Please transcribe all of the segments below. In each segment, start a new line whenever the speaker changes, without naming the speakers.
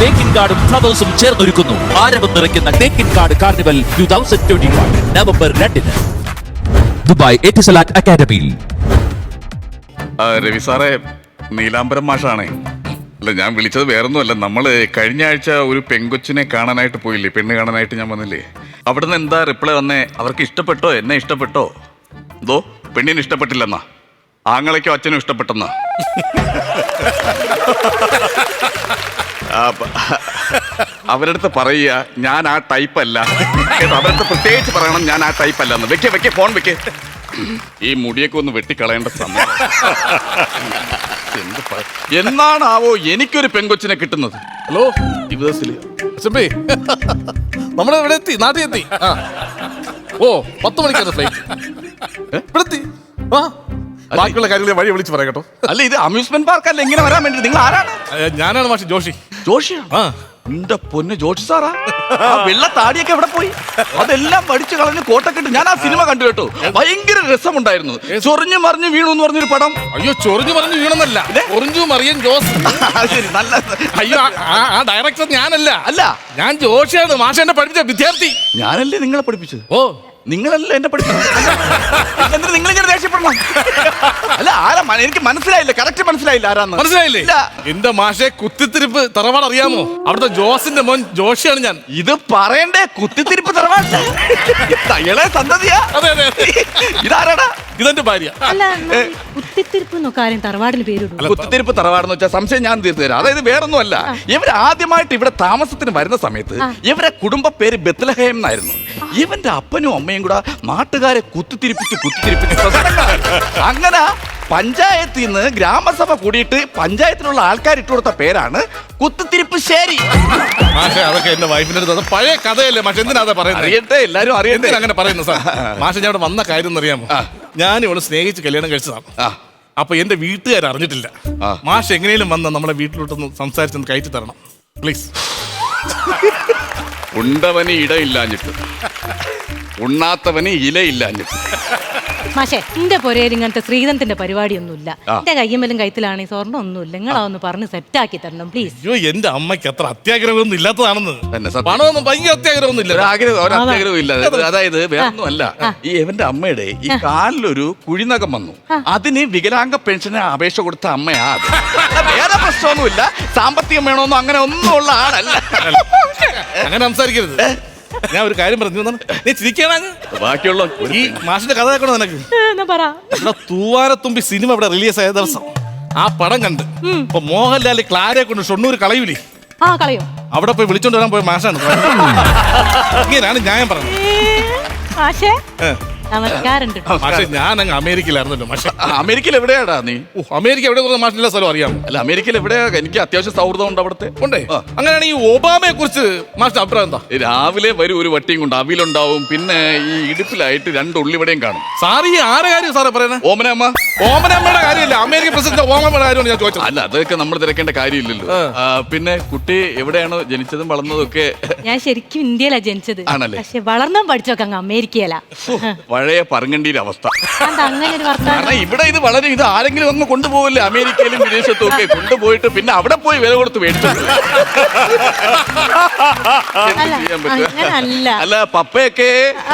തേക്കിൻകാടും ഫ്ലവേഴ്സും ചേർന്നൊരുക്കുന്നു ആരവം നിറയ്ക്കുന്ന Thekkinkadu carnival 2021 November 2 Dubai Etisalat അക്കാദമിയിൽ.
രവി സാറേ, നീലാംബരം മാഷാണേ. അല്ല, ഞാൻ വിളിച്ചത് വേറൊന്നുമല്ല. നമ്മള് കഴിഞ്ഞ ആഴ്ച ഒരു പെങ്കൊച്ചിനെ കാണാനായിട്ട് പോയില്ലേ, പെണ്ണ് കാണാനായിട്ട് ഞാൻ വന്നില്ലേ. അവിടുന്ന് എന്താ റിപ്ലൈ വന്നേ? അവർക്ക് ഇഷ്ടപ്പെട്ടോ? എന്നെ ഇഷ്ടപ്പെട്ടോ? എന്തോ പെണ്ണിന് ഇഷ്ടപ്പെട്ടില്ലെന്നാ, ആങ്ങളയ്ക്കോ അച്ഛനും ഇഷ്ടപ്പെട്ടെന്നാ. അവരടുത്ത് പറയുക ഞാൻ ആ ടൈപ്പ് അല്ല കേട്ടോ. അവരടുത്ത് പ്രത്യേകിച്ച് പറയണം ഞാൻ ആ ടൈപ്പ് അല്ലെന്ന്. വെക്കേ ഫോൺ വെക്കേ. ഈ മുടിയൊക്കെ ഒന്ന് വെട്ടിക്കളയേണ്ട സമയം. എന്നാണാവോ എനിക്കൊരു പെങ്കൊച്ചിനെ കിട്ടുന്നത്?
ഹലോ
ദിവസത്തില്
നമ്മളെ ഇവിടെ എത്തി, നാട്ടിൽ എത്തി. ഓ 10 മണിക്കാണ് ഫ്ലൈറ്റ്. ഇവിടെ എത്തി. ബാക്കിയുള്ള കാര്യങ്ങൾ വഴി വിളിച്ച് പറയാം കേട്ടോ.
അല്ല, ഇത് അമ്യൂസ്മെന്റ് പാർക്ക് അല്ല, ഇങ്ങനെ വരാൻ വേണ്ടി. നിങ്ങൾ ആരാണ്?
ഞാനാണ് മാഷ് ജോഷി.
ജോഷിയാ? എന്റെ പൊന്ന് ജോഷി സാറാ. ആ വെള്ള താടിയൊക്കെ എവിടെ പോയി? അതെല്ലാം പഠിച്ചു കളഞ്ഞ് കോട്ടക്കെട്ട്. ഞാൻ ആ സിനിമ കണ്ടു കേട്ടോ, ഭയങ്കര രസമുണ്ടായിരുന്നു. ചൊറിഞ്ഞു മറിഞ്ഞു വീണു എന്ന് പറഞ്ഞൊരു പടം.
അയ്യോ, ചൊറിഞ്ഞു പറഞ്ഞു വീണെന്നല്ല, ചൊറിഞ്ഞു മറിയൻ ജോസ്.
ശരി, നല്ല.
അയ്യോ, ആ ഡയറക്ടർ ഞാനല്ല.
അല്ല,
ഞാൻ ജോഷിയാണ്, മാഷ എന്നെ പഠിപ്പിച്ച വിദ്യാർത്ഥി.
ഞാനല്ലേ നിങ്ങളെ പഠിപ്പിച്ചത്?
ഓ,
നിങ്ങളല്ല എന്നെ പഠിപ്പിച്ചത്. എന്നിട്ട് നിങ്ങളിങ്ങനെ ദേഷ്യപ്പെടണം? അല്ല, ആരാ? എനിക്ക് മനസ്സിലായില്ല, കറക്റ്റ് മനസ്സിലായില്ല ആരാന്ന്.
മനസ്സിലായില്ലേ? എന്റെ മാഷെ കുത്തിത്തിരിപ്പ് തറവാട് അറിയാമോ? അവിടുത്തെ ജോസിന്റെ മോൻ ജോഷിയാണ് ഞാൻ.
ഇത് പറയണ്ടേ? കുത്തിത്തിരിപ്പ് തറവാട് തയ്യളെ സന്തതിയാ?
അതെ അതെ.
ഇതാരാടാ?
ഇതെന്റെ ഭാര്യ.
കുത്തിത്തിരിപ്പ് തറവാടെന്ന് വെച്ചാൽ സംശയം ഞാൻ തീർത്തു തരാം. അതായത് വേറൊന്നും അല്ല, ഇവർ ആദ്യമായിട്ട് ഇവിടെ താമസത്തിന് വരുന്ന സമയത്ത് ഇവരെ കുടുംബ പേര് ബെത്ലഹേം എന്നായിരുന്നു. ഇവന്റെ അപ്പനും അമ്മയും കൂടെ നാട്ടുകാരെ കുത്തിത്തിരിപ്പിച്ച് അങ്ങനെ പഞ്ചായത്തിൽ നിന്ന് ഗ്രാമസഭ കൂടിയിട്ട് പഞ്ചായത്തിലുള്ള ആൾക്കാർ ഇട്ട് കൊടുത്ത പേരാണ് കുത്തിത്തിരിപ്പ് ശേരി.
മാഷെ, അതൊക്കെ എന്റെ വൈഫിന്റെ അടുത്ത് പഴയ കഥയല്ലേ മാഷെ, എന്തിനാ പറയുന്നത്?
അറിയട്ടെ, എല്ലാരും അറിയട്ടെ.
അങ്ങനെ പറയുന്നു സാർ. മാഷെ, ഞാൻ ഇവിടെ വന്ന കാര്യം എന്നറിയാമോ? ഞാൻ ഇവിടെ സ്നേഹിച്ച് കല്യാണം കഴിച്ചതാണ്. അപ്പൊ എന്റെ വീട്ടുകാർ അറിഞ്ഞിട്ടില്ല. മാഷ് എങ്ങനെയും വന്ന് നമ്മളെ വീട്ടിലോട്ടൊന്ന് സംസാരിച്ചൊന്ന് കയറ്റി തരണം പ്ലീസ്.
ഉണ്ടവന് ഇടയില്ലാഞ്ഞിട്ട്, ഉണ്ണാത്തവന് ഇലയില്ലാഞ്ഞിട്ട്.
മാഷേ, എന്റെ പൊരയിൽ ഇങ്ങനത്തെ ശ്രീധന്തിന്റെ പരിപാടിയൊന്നുമില്ല. എന്റെ കയ്യമ്മലും കൈത്തിലാണ് സ്വർണ്ണം ഒന്നുമില്ല. നിങ്ങളതൊന്ന് പറഞ്ഞ് സെറ്റാക്കി തരണം പ്ലീസ്.
അയ്യോ, എന്റെ അമ്മയ്ക്ക് അത്ര അത്യാഗ്രഹമൊന്നും ഇല്ലാത്തതാണെന്ന്. പണമൊന്നും ഭയങ്കര അത്യാഗ്രഹമൊന്നും ഇല്ല.
അത്യാഗ്രഹം ഇല്ല. അതായത് വേറൊന്നും അല്ല, ഈ എവന്റെ അമ്മയുടെ ഈ കാലിലൊരു കുഴിനകം വന്നു. അതിന് വികലാംഗ പെൻഷന് അപേക്ഷ കൊടുത്ത അമ്മയാ. വേറെ പ്രശ്നമൊന്നുമില്ല, സാമ്പത്തികം വേണമെന്നോ അങ്ങനെ ഒന്നും ഉള്ള ആളല്ല.
അങ്ങനെ സംസാരിക്കരുത്. ഞാൻ ഒരു കാര്യം പറഞ്ഞു, നീ ചിരിക്കാണ്.
ബാക്കിയുള്ള
ഈ മാഷിന്റെ കഥ കേൾക്കണോ നിനക്ക്? ഇവിടെ തൂവാനത്തുമ്പി സിനിമ ഇവിടെ റിലീസ് ആയ ദിവസം ആ പടം കണ്ട് ഇപ്പൊ മോഹൻലാൽ ക്ലാരയെ കൊണ്ട് ഷൊണ്ണൂർ കളയൂലേ, അവിടെ പോയി വിളിച്ചോണ്ട് വരാൻ പോയ മാഷാണ്. ഇങ്ങനെയാണ് ഞാൻ പറഞ്ഞത്. പക്ഷെ ഞാൻ അങ്ങ് അമേരിക്കയിലായിരുന്നല്ലോ മാഷെ.
അമേരിക്കയിൽ എവിടെയാടാ നീ?
അമേരിക്ക എവിടെ മാഷിന്റെ സ്ഥലം അറിയാമോ?
അല്ല, അമേരിക്കയിൽ എവിടെയാ? എനിക്ക് അത്യാവശ്യം സൗഹൃദം ഉണ്ട് അവിടുത്തെ.
ഉണ്ടേ? അങ്ങനെയാണ് ഈ ഒബാമയെ കുറിച്ച് മാഷിന്റെ അഭിപ്രായം എന്താ?
രാവിലെ വരും ഒരു വട്ടിയും കൊണ്ട് അവിലുണ്ടാവും, പിന്നെ ഈ ഇടുപ്പിലായിട്ട് 2 ഉള്ളിവിടെയും കാണും.
സാർ ഈ ആരെ കാര്യം സാറേ പറയുന്നത്?
ഓമനമ്മ.
ഓമനമ്മയുടെ കാര്യമില്ല, അമേരിക്കൻ പ്രസിഡന്റ് ഓമനമ്മയുടെ കാര്യമാണ് ഞാൻ ചോദിച്ചത്.
അല്ല, അതൊക്കെ നമ്മൾ തിരക്കേണ്ട കാര്യമില്ലല്ലോ. പിന്നെ കുട്ടി എവിടെയാണോ ജനിച്ചതും വളർന്നതും ഒക്കെ?
ഞാൻ ശരിക്കും ഇന്ത്യയിലാ ജനിച്ചത്, പക്ഷെ വളർന്നാൻ പഠിച്ചൊക്കെ അങ്ങ് അമേരിക്കയിലാ.
പഴയ പറങ്കണ്ടിയുടെ അവസ്ഥ.
അങ്ങനെ ഒരു
കാരണം ഇവിടെ ഇത് വളരെ ഇത് ആരെങ്കിലും ഒന്ന് കൊണ്ടുപോകില്ലേ, അമേരിക്കയിലും വിദേശത്തും ഒക്കെ കൊണ്ടുപോയിട്ട് പിന്നെ അവിടെ പോയി വില കൊടുത്ത് മേടിച്ചു. അല്ല, പപ്പയൊക്കെ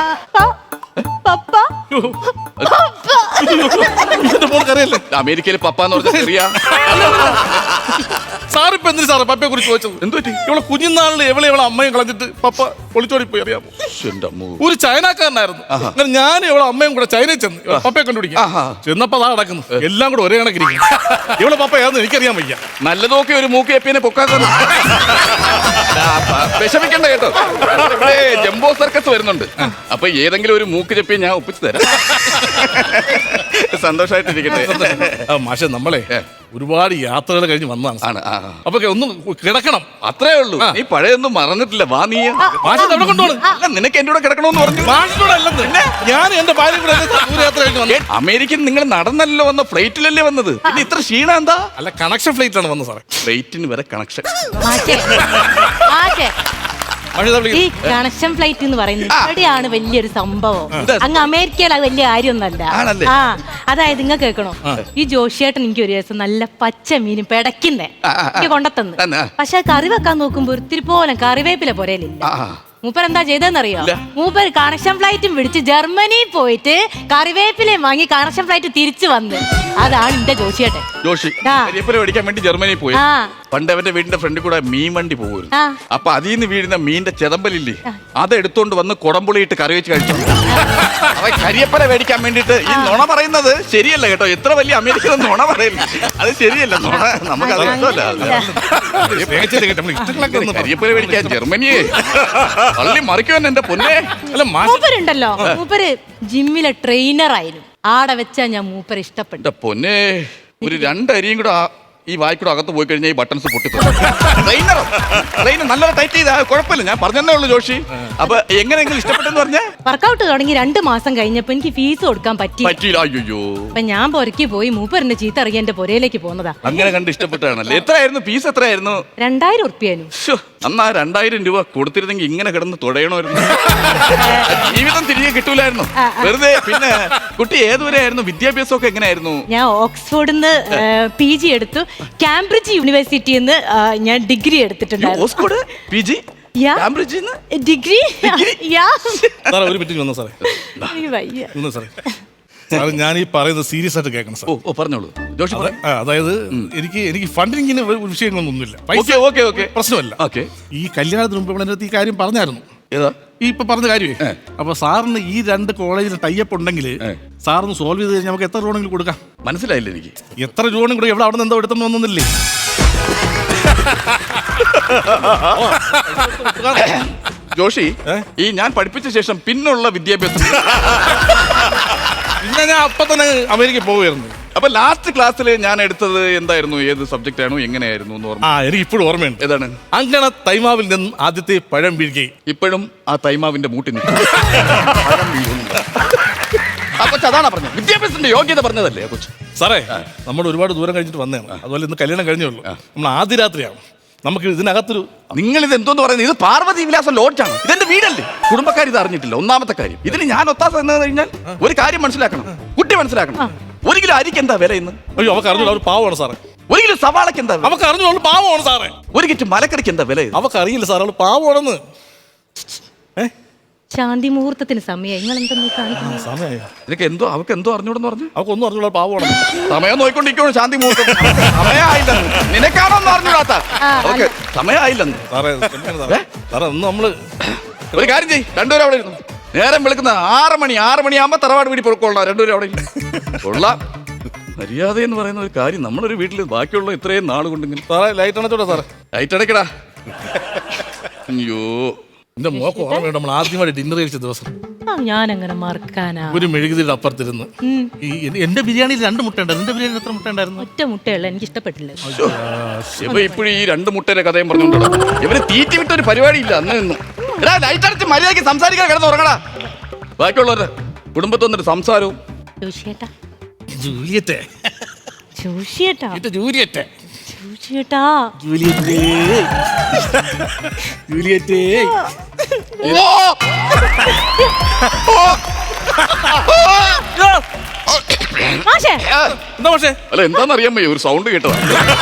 അമേരിക്കയിൽ പപ്പ എന്ന് പറഞ്ഞ ചെറിയ
സാറിപ്പോ എന്തിനു സാറേ പപ്പയെ കുറിച്ച് ചോദിച്ചത്? എന്തുപറ്റി? ഇവളെ കുഞ്ഞുനാളിൽ എവളെ അമ്മയും കളഞ്ഞിട്ട് പപ്പ ഒളിച്ചോടി പോയി. അറിയാമോ? ഒരു ചൈനക്കാരനായിരുന്നു. അങ്ങനെ ഞാൻ ഇവളെ അമ്മയും കൂടെ ചൈനയിൽ ചെന്ന് പപ്പയെ കണ്ടുപിടിക്കാം. ചെന്നപ്പോ അതാ നടക്കുന്നു, എല്ലാം കൂടെ ഒരേ കണക്കിരിക്കും. ഇവളെ പപ്പ ഏതെന്ന് എനിക്കറിയാൻ വയ്യ.
നല്ലതൊക്കെ ഒരു മൂക്ക് എപ്പിനെ പൊക്കാക്കുന്നു. വിഷമിക്കണ്ട കേട്ടോ, ഇവിടെ ജംബോ സർക്കസ് വരുന്നുണ്ട്. അപ്പൊ ഏതെങ്കിലും ഒരു മൂക്ക് ചെപ്പി ഞാൻ ഒപ്പിച്ചു തരാം. സന്തോഷമായിട്ടിരിക്കട്ടെ.
മാഷെ, നമ്മളെ ഒരുപാട് യാത്രകൾ കഴിഞ്ഞ് വന്നതാണ്. അപ്പൊ ഒന്ന് കിടക്കണം,
അത്രേ ഉള്ളൂ. നീ പഴയൊന്നും മറന്നിട്ടില്ല. വാ, നീ
അവിടെ കൊണ്ടുപോകണം.
നിനക്ക് എന്റെ കൂടെ കിടക്കണമെന്ന് പറഞ്ഞു.
ഞാൻ എന്റെ ഭാര്യ കൂടെ ദൂരയാത്ര കഴിഞ്ഞ് വന്നു.
അമേരിക്കൻ നിങ്ങൾ നടന്നല്ലോ വന്ന, ഫ്ലൈറ്റിലല്ലേ വന്നത്? പിന്നെ ഇത്ര ക്ഷീണം എന്താ?
അല്ല, കണക്ഷൻ ഫ്ലൈറ്റിലാണ് വന്നത് സാറേ.
ഫ്ലൈറ്റിന് വരെ കണക്ഷൻ.
ഈ കണക്ഷൻ ഫ്ലൈറ്റ് എന്ന് പറയുന്നത് ഇവിടെയാണ് വലിയൊരു സംഭവം. അങ്ങ് അമേരിക്കയിൽ അത് വലിയ കാര്യമൊന്നല്ല. ആ അതായത് ഇങ്ങ കേൾക്കണോ, ഈ ജോഷിയേട്ടൻ എനിക്ക് ഒരു ദിവസം നല്ല പച്ച മീനും പെടക്കുന്നേ എനിക്ക് കൊണ്ടത്തന്ന്. പക്ഷെ കറി വെക്കാൻ നോക്കുമ്പോ ഒത്തിരി പോലെ കറിവേപ്പില പോരേലില്ല. മൂപ്പർ എന്താ ചെയ്തെന്നറിയോ? മൂപ്പർ കണക്ഷൻ ഫ്ലൈറ്റും പിടിച്ച് ജർമ്മനിയിൽ പോയിട്ട് കറിവേപ്പിലയും വാങ്ങി കണക്ഷൻ ഫ്ലൈറ്റ് തിരിച്ചു വന്ന്. അതാണ് എന്റെ ജോഷിയേട്ടൻ.
ജോഷി കരിവേപ്പില മേടിക്കാൻ വേണ്ടി ജർമ്മനിയിൽ പോയി. പണ്ട് അവന്റെ വീടിന്റെ ഫ്രണ്ടിൽ കൂടെ മീൻ വണ്ടി പോകുമായിരുന്നു. അപ്പൊ അതിൽ നിന്ന് വീഴുന്ന മീനിന്റെ ചെതമ്പലില്ലേ, അത് എടുത്തോണ്ട് വന്ന് കുടംപുളിയിട്ട് കറി വെച്ച് കഴിച്ചു. അവൻ കരിവേപ്പില മേടിക്കാൻ വേണ്ടിട്ട് ഈ നുണ പറയുന്നത് ശരിയല്ല കേട്ടോ. എത്ര വലിയ അമേരിക്കൻ നുണ പറയുന്നു, അത് ശരിയല്ല. നുണ നമുക്ക് അത് ഇഷ്ടമല്ല. കരിവേപ്പില മേടിക്കാൻ ജർമ്മനിയെ പള്ളി മറിക്കുവാൻ എന്റെ പൊന്നെ. അല്ല
മൂപ്പരുണ്ടല്ലോ, മൂപ്പര് ജിമ്മിലെ ട്രെയിനർ ആയിരുന്നു. ആടെ വെച്ചാ ഞാൻ മൂപ്പര് ഇഷ്ടപ്പെട്ടു.
പൊന്നെ, ഒരു രണ്ടരിയും കൂടെ ഈ വായിക്കൂടെ അകത്ത് പോയി കഴിഞ്ഞാൽ ഈ ബട്ടൺസ് പൊട്ടിപ്പോ. ട്രെയിനർ നല്ലൊരു ടൈറ്റ് ചെയ്താ കുഴപ്പമില്ല, ഞാൻ പറഞ്ഞതേ ഉള്ളൂ ജോഷി. അപ്പൊ എങ്ങനെയെങ്കിലും ഇഷ്ടപ്പെട്ടെന്ന് പറഞ്ഞാൽ
വർക്കൗട്ട് തുടങ്ങി 2 മാസം കഴിഞ്ഞപ്പോ എനിക്ക് ഫീസ് കൊടുക്കാൻ പറ്റിയില്ല.
അയ്യോ,
അപ്പൊ ഞാൻ പൊരക്കി പോയി മൂപ്പറിന്റെ ചീത്ത അറിയാൻ എന്റെ പൊരയിലേക്ക് പോന്നതാ.
അങ്ങനെ കണ്ട് ഇഷ്ടപ്പെട്ടാണല്ലേ. എത്രയായിരുന്നു ഫീസ്? എത്രയായിരുന്നു?
2000 ഉറുപ്പ്യാനും.
അന്നാ 2000 രൂപ കൊടുത്തിരുന്നെങ്കിൽ ഇങ്ങനെ കിടന്ന് തുടയണമായിരുന്നു. ജീവിതം തിരികെ കിട്ടൂലായിരുന്നു വെറുതെ. പിന്നെ കുട്ടി ഏതുവരെയായിരുന്നു? വിദ്യാഭ്യാസമൊക്കെ എങ്ങനെയായിരുന്നു?
ഞാൻ ഓക്സ്ഫോർഡിന്ന് PG എടുത്തു. കാംബ്രിഡ്ജ് യൂണിവേഴ്സിറ്റിന്ന് ഞാൻ ഡിഗ്രി എടുത്തിട്ടുണ്ടായിരുന്നു.
ഓക്സ്ഫോർഡ് PG കാംബ്രിഡ്ജിന്ന്
ഡിഗ്രി.
ഒരു മിനിറ്റ് വന്നോ സാറേ. ഞാൻ ഈ പറയുന്നത് സീരിയസ് ആയിട്ട് കേൾക്കണം സാർ.
ഓ പറഞ്ഞോളൂ ജോഷി.
അതായത് എനിക്ക് ഫണ്ടിങ്ങിന് വിഷയങ്ങളൊന്നുമില്ല, പ്രശ്നമല്ല. ഈ കല്യാണത്തിന് മുമ്പ് ഇവിടെ ഈ കാര്യം പറഞ്ഞായിരുന്നു.
ഏതാ
ഈ ഇപ്പൊ പറഞ്ഞ കാര്യമേ. അപ്പൊ സാറിന് ഈ 2 കോളേജിൽ ടൈപ്പ് ഉണ്ടെങ്കിൽ സാറിന് സോൾവ് ചെയ്ത് കഴിഞ്ഞാൽ നമുക്ക് എത്ര രൂപയെങ്കിലും കൊടുക്കാം.
മനസ്സിലായില്ല എനിക്ക്.
എത്ര രൂപയും കൂടെ എവിടെ അവിടെ നിന്ന് എന്തോ എടുത്തെന്ന് വന്നില്ലേ?
ജോഷി, ഈ ഞാൻ പഠിപ്പിച്ച ശേഷം പിന്നുള്ള വിദ്യാഭ്യാസം
പിന്നെ ഞാൻ അപ്പൊ തന്നെ അമേരിക്കയിൽ പോവുകയായിരുന്നു.
അപ്പൊ ലാസ്റ്റ് ക്ലാസ്സിൽ ഞാൻ എടുത്തത് എന്തായിരുന്നു? ഏത് സബ്ജക്റ്റ് ആണോ എങ്ങനെയായിരുന്നു എന്ന് ഓർമ്മ?
എനിക്ക് ഇപ്പോഴും ഓർമ്മയുണ്ട്.
ഏതാണ്?
അങ്ങനെ തൈമാവിൽ നിന്നും ആദ്യത്തെ പഴം വീഴുകയും.
ഇപ്പോഴും ആ തൈമാവിന്റെ മൂട്ടി നിൽക്കും. കൊച്ചു അതാണ് പറഞ്ഞത്, വിദ്യാഭ്യാസത്തിന്റെ യോഗ്യത പറഞ്ഞതല്ലേ കൊച്ചു.
സാറേ, നമ്മൾ ഒരുപാട് ദൂരം കഴിഞ്ഞിട്ട് വന്നതാണ്. അതുപോലെ ഇന്ന് കല്യാണം കഴിഞ്ഞേ ഉള്ളൂ. നമ്മൾ ആദ്യ രാത്രിയാണ്. നമുക്ക് ഇതിനകത്തൊരു
നിങ്ങൾ ഇത് എന്തോന്ന് പറയുന്നത്? ഇത് പാർവതി വിലാസം ലോഡ്ജാണ്. ഇതെന്റെ വീടല്ലേ. കുടുംബക്കാർ ഇത് അറിഞ്ഞിട്ടില്ല. ഒന്നാമത്തെ കാര്യം. ഇതിന് ഞാൻ ഒത്താസ എന്ന് കഴിഞ്ഞാൽ ഒരു കാര്യം മനസ്സിലാക്കണം, കുട്ടി മനസ്സിലാക്കണം. 1 കിലോ അരിക്ക് എന്താ വില ഇന്ന്?
അയ്യോ, അവർക്ക് അറിഞ്ഞോളൂ, അവർ പാവമാണ് സാറേ.
1 കിലോ സവാളക്ക് എന്താ?
അവർക്ക് അറിഞ്ഞോളൂ, പാവമാണ് സാറേ.
1 കിറ്റ് മലക്കറിക്ക് എന്താ വില?
അവർക്ക് അറിയില്ല സാർ, അവൾ പാവമാണെന്ന്.
ശാന്തി മുഹൂർത്തത്തിന് സമയം. നിങ്ങൾ എന്തെന്ന് കാണിക്കുന്നു?
നിനക്ക് എന്തോ അവർക്ക് എന്തോ അറിഞ്ഞൂടെന്ന് പറഞ്ഞു.
അവക്കൊന്നും അറിഞ്ഞോളൂ, പാവമാണെന്ന്.
സമയം നോക്കിക്കൊണ്ടിരിക്കണോ? ശാന്തി മുഹൂർത്തം സമയമായില്ലെന്ന്. നിനക്കാണോ എന്ന് അറിഞ്ഞൂടാത്ത? അവർക്ക് സമയമായില്ലെന്ന്.
സാറേ ഒന്ന് നമ്മള്
ഒരു കാര്യം ചെയ്യ്, 2 പേരും അവിടെ ഇരുന്നു. നേരം വെളുക്കുന്ന 6 മണിയാകുമ്പോ തറവാട് വീട്ടിൽ പൊറുക്കൊള്ളാം. 2 പേരും അവിടെ കൊള്ളാം. മര്യാദ എന്ന് പറയുന്ന ഒരു കാര്യം നമ്മളൊരു വീട്ടിൽ ബാക്കിയുള്ള ഇത്രയും നാൾ കൊണ്ടിങ്ങനെ.
സാറേ ലൈറ്റ് അണച്ചോടാ സാറേ.
ലൈറ്റ് അടയ്ക്കടാ. അയ്യോ,
എന്റെ മോക്ക് ഓർമ്മയുണ്ട്, നമ്മൾ ആദ്യമായിട്ട് ഡിന്നർ കഴിച്ച ദിവസം.
ഞാൻ അങ്ങനെ മറക്കാനാ?
ഒരു മെഴുകുതിരിയുടെ അപ്പുറത്തിരുന്ന് എന്റെ ബിരിയാണിയിൽ 2 മുട്ട ഉണ്ടായിരുന്നു. എന്റെ ബിരിയാണി എത്ര മുട്ട ഉണ്ടായിരുന്നു?
ഒറ്റ മുട്ടയുള്ള, എനിക്ക് ഇഷ്ടപ്പെട്ടില്ല.
ഇപ്പോഴും ഈ 2 മുട്ടയുടെ കഥയും പറഞ്ഞോണ്ടോ. ഇവര് തീറ്റി വിട്ട ഒരു പരിപാടി ഇല്ല അന്ന് നിന്നും. എടാ, ലൈറ്റ് അടച്ച് മര്യാദയ്ക്ക് സംസാരിക്കാൻ കിടന്ന് ഉറങ്ങടാ. ബാക്കിയുള്ളവരുടെ കുടുംബത്തിൽ വന്നിട്ട് സംസാരവും.
ജോഷിയേട്ടാ,
ജൂലിയറ്റെ,
ജോഷിയേട്ടാ,
ജൂലിയറ്റെ,
ജോഷിയേട്ടാ,
ജൂലിയറ്റെ, ജൂലിയറ്റെ.
അല്ല, എന്താന്നറിയാൻ വയ്യ, ഒരു സൗണ്ട് കേട്ടതാ.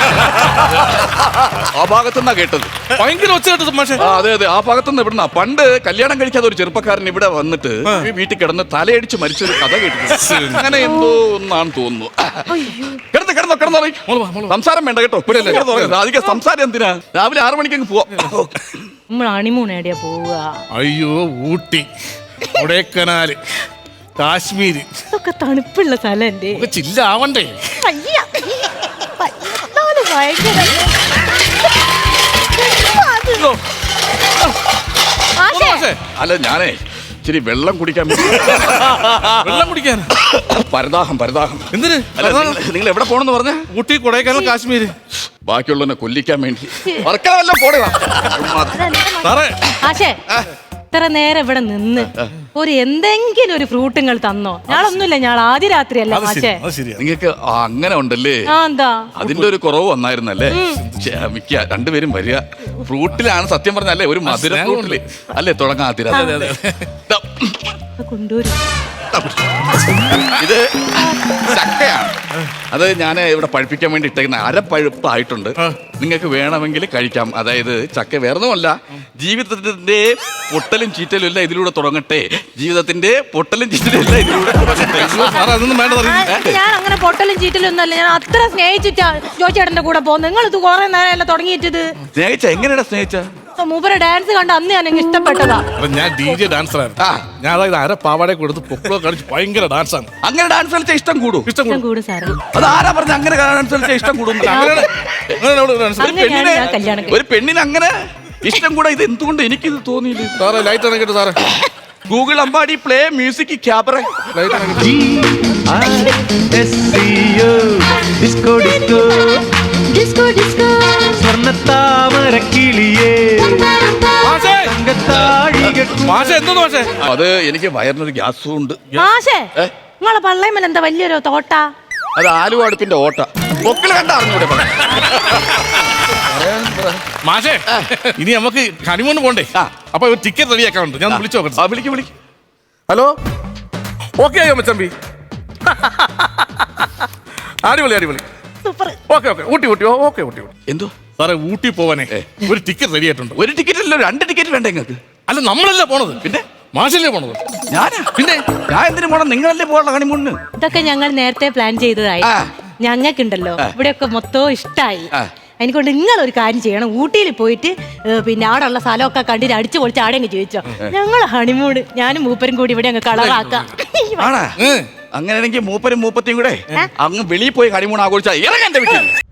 ആ ഭാഗത്തുനിന്നാ കേട്ടത്.
ഭയങ്കര ഒച്ച കേട്ടത് മാഷേ.
അതെ, ആ ഭാഗത്തുനിന്ന് ഇവിടുന്ന. പണ്ട് കല്യാണം കഴിക്കാതെ ഒരു ചെറുപ്പക്കാരൻ ഇവിടെ വന്നിട്ട് ഈ വീട്ടിൽ കിടന്ന് തലയടിച്ച് മരിച്ചൊരു കഥ കേട്ടിട്ടുണ്ട്. അങ്ങനെ എന്തോ ഒന്നാണ് തോന്നുന്നു. കിടന്നോ സംസാരം വേണ്ട കേട്ടോ. അധികം സംസാരം എന്തിനാ? രാവിലെ 6 മണിക്ക് അങ്ങ് പോവാം.
നമ്മൾ ഹണിമൂൺ എവിടെയാ പോവുക?
അയ്യോ, ഊട്ടി, കൊടൈക്കനാല്, കാശ്മീര്.
ഇതൊക്കെ തണുപ്പുള്ള സ്ഥലം.
ചില്ലാവണ്ടേ?
അല്ല, ഞാനേ ഇച്ചിരി വെള്ളം കുടിക്കാൻ.
വെള്ളം കുടിക്കാൻ?
പരദാഹം. എന്തിന്? നിങ്ങൾ എവിടെ പോണെന്ന് പറഞ്ഞ?
ഊട്ടി, കൊടൈക്കനാൽ, കാശ്മീര്.
ബാക്കിയുള്ളവനെ കൊല്ലിക്കാൻ വേണ്ടി വർക്കവെല്ലാം പോടുക.
ഇത്ര നേരം ഇവിടെ നിന്ന് ഒരു എന്തെങ്കിലും ഒരു ഫ്രൂട്ട് നിങ്ങൾ തന്നോ? ഞാളൊന്നുമില്ല, ഞാൻ ആദ്യ രാത്രിയല്ല മാഷേ.
നിങ്ങൾക്ക് അങ്ങനെ ഉണ്ടല്ലേ?
എന്താ
അതിന്റെ ഒരു കുറവ് വന്നായിരുന്നല്ലേ? ക്ഷമിക്ക, രണ്ടുപേരും വരിക. ഫ്രൂട്ടിലാണ് സത്യം പറഞ്ഞല്ലേ, ഒരു മധുര ഫ്രൂട്ടില് അല്ലേ തുടങ്ങാതിര.
കൊണ്ടുവരും.
ഇത് ചക്കയാണ്. അത് ഞാൻ ഇവിടെ പഴുപ്പിക്കാൻ വേണ്ടി ഇട്ടേക്കുന്ന അരപ്പഴുപ്പായിട്ടുണ്ട്. നിങ്ങൾക്ക് വേണമെങ്കിൽ കഴിക്കാം. അതായത് ചക്ക വേറൊന്നുമല്ല, ജീവിതത്തിന്റെ പൊട്ടലും ചീറ്റലും എല്ലാം ഇതിലൂടെ തുടങ്ങട്ടെ. ജീവിതത്തിന്റെ പൊട്ടലും ചീറ്റലും എല്ലാം ഇതിലൂടെ തുടങ്ങട്ടെ.
ഞാൻ അങ്ങനെ പൊട്ടലും ചീറ്റലും ഒന്നല്ല, ഞാൻ അത്ര സ്നേഹിച്ചിട്ടാ ജോയിച്ചേട്ടന്റെ കൂടെ പോകുന്നത്. നിങ്ങൾ ഇത് കുറെ നേരമല്ല തുടങ്ങിയിട്ടത്.
സ്നേഹിച്ച എങ്ങനെയാ സ്നേഹിച്ച?
മൂപ്പരെ ഡാൻസ് കണ്ട് അന്ന് ഞാൻ എനിക്ക് ഇഷ്ടപ്പെട്ടതാ.
ഞാൻ DJ ഡാൻസർ ആയിരുന്നു. ഞാൻ അതായത് അര പാവാടെ കൊടുത്ത് പൊക്കളോ കളിച്ച് ഭയങ്കര ഡാൻസാണ്.
അങ്ങനെ ഡാൻസ് കളിച്ചാൽ ഇഷ്ടം കൂടും.
ഇഷ്ടം കൂടും
സാറേ.
അത് ആരാ പറഞ്ഞ അങ്ങനെ ഡാൻസ് കളിച്ചാൽ ഇഷ്ടം കൂടും? ഒരു പെണ്ണിന് അങ്ങനെ ഇഷ്ടം കൂടെ ഇത് എന്തുകൊണ്ട് എനിക്കിത് തോന്നിയില്ല?
സാറേ ലൈറ്റ് അണക്കിട്ട് സാറേ.
Google Ambadi play music cabaret.
Light അണക്കിട്ട്.
ഡിസ്കോ ഡിസ്കോ ഡിസ്കോ ഡിസ്കോ സ്വർണ്ണത്താമരക്കിളിയേ
മാഷേ എന്തോന്ന് മാഷേ?
അത് എനിക്ക് വയറിനൊരു ഗ്യാസും ഉണ്ട്.
മാഷേ നിങ്ങളെ പള്ളയമേൽ എന്താ വലിയൊരു തോട്ട?
അത് ആലുവ അടുപ്പിന്റെ ഓട്ട. പൊക്കിള് കണ്ട അറിഞ്ഞൂടെ?
മാഷേ ഇനി നമുക്ക് ഹണിമൂണ് പോണ്ടേ? അപ്പൊ ഒരു ടിക്കറ്റ് റെഡിയാക്കാറുണ്ട്, ഞാൻ വിളിച്ചു നോക്കട്ടെ.
വിളിക്കും.
ഹലോ, ഓക്കെ ആയോ മച്ചമ്പി? അടിപൊളി അടിപൊളി. Okay okay Ooty Ooty okay Ooty Ooty.
എന്തോ
സാറേ ഊട്ടി പോവാനേ ഒരു ടിക്കറ്റ് റെഡി ആയിട്ടുണ്ട്.
ഒരു ടിക്കറ്റ് അല്ലോ, 2 ടിക്കറ്റ് വേണ്ട നിങ്ങൾക്ക്?
അല്ല നമ്മളല്ല പോണത്,
പിന്നെ
മാഷല്ലേ പോണത്.
ഞാനാ? പിന്നെ ഞാൻ എന്തിനു പോണം? നിങ്ങളല്ലേ പോകണം ഹണിമൂണിന്.
ഇതൊക്കെ ഞങ്ങൾ നേരത്തെ പ്ലാൻ ചെയ്തതായി. ഞങ്ങൾക്കുണ്ടല്ലോ ഇവിടെയൊക്കെ മൊത്തവും ഇഷ്ടായി. അതിനെക്കൊണ്ട് നിങ്ങൾ ഒരു കാര്യം ചെയ്യണം, ഊട്ടിയിൽ പോയിട്ട് പിന്നെ ആടെയുള്ള സ്ഥലമൊക്കെ കണ്ടിട്ട് അടിച്ചു പൊളിച്ച് ആടെ അങ്ങ് ചോദിച്ചോ. ഞങ്ങൾ ഹണിമൂണ് ഞാനും മൂപ്പരും കൂടി ഇവിടെ അങ്ങ് കളറാക്കാം.
അങ്ങനെയാണെങ്കിൽ മൂപ്പരും മൂപ്പത്തിയും കൂടെ അങ്ങ് വെളിയിൽ പോയി ഹണിമൂൺ ആഘോഷിച്ചാൽ ഇറങ്ങാൻ വീട്ടിൽ.